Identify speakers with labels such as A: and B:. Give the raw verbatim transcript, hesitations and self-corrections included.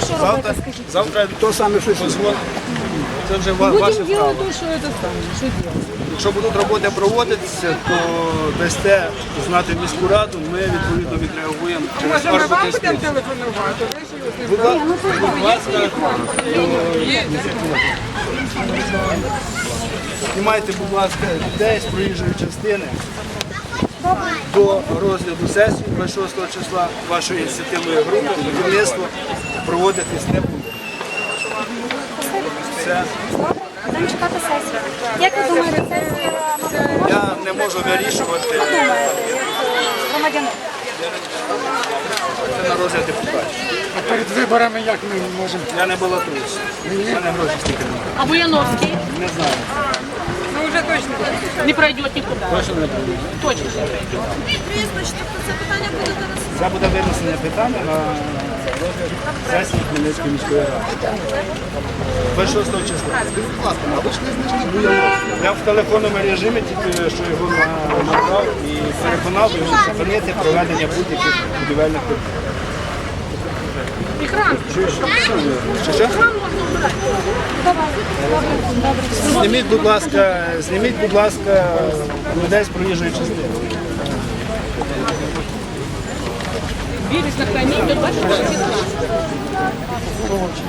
A: що
B: Завтра,
A: робити, скажіть?
B: завтра
C: То саме щось.
B: це вже ва- ваше
A: Будемо
B: право.
A: робити те, що це саме. Що робити?
B: Якщо будуть роботи проводитися, то дасте знати міську раду, ми відповідно відреагуємо через
D: Може, ми вам
B: паспортний
D: будемо
B: список.
D: телефонувати? Ви ж його не
B: Будь ла- будь ласка, знімайте, будь ласка, людей з проїжджої частини до розгляду сесії двадцять шостого числа вашої ініціативної групи будівництво проводитись не буде. Все.
A: Будемо чекати сесію. Як ви думаєте, сесія мабуть,
B: Я не можу вирішувати
A: думаєте, як е, громадянин?
B: це на розгляд депутатів.
C: Перед виборами як ми можемо?
B: Я не балотуюся. У мене гроші стільки немає.
E: А Буяновский
B: Не знаю.
D: Ну, вже точно.
E: не пройдет никуда.
B: Точно не буду.
E: Точно не пройдет.
B: Це буде винесення питання на розгляд сесії Хмельницької міської ради. двадцять шостого числа. Я в телефонному режимі тільки що його на- набрав і переконав його зупинити проведення будь-яких будівельних робіт.
E: Экран.
B: Що, що? Зніміть, будь ласка, зніміть, будь ласка, людей з проїжджої частини.
E: Бережно хранить до двадцать шестого числа.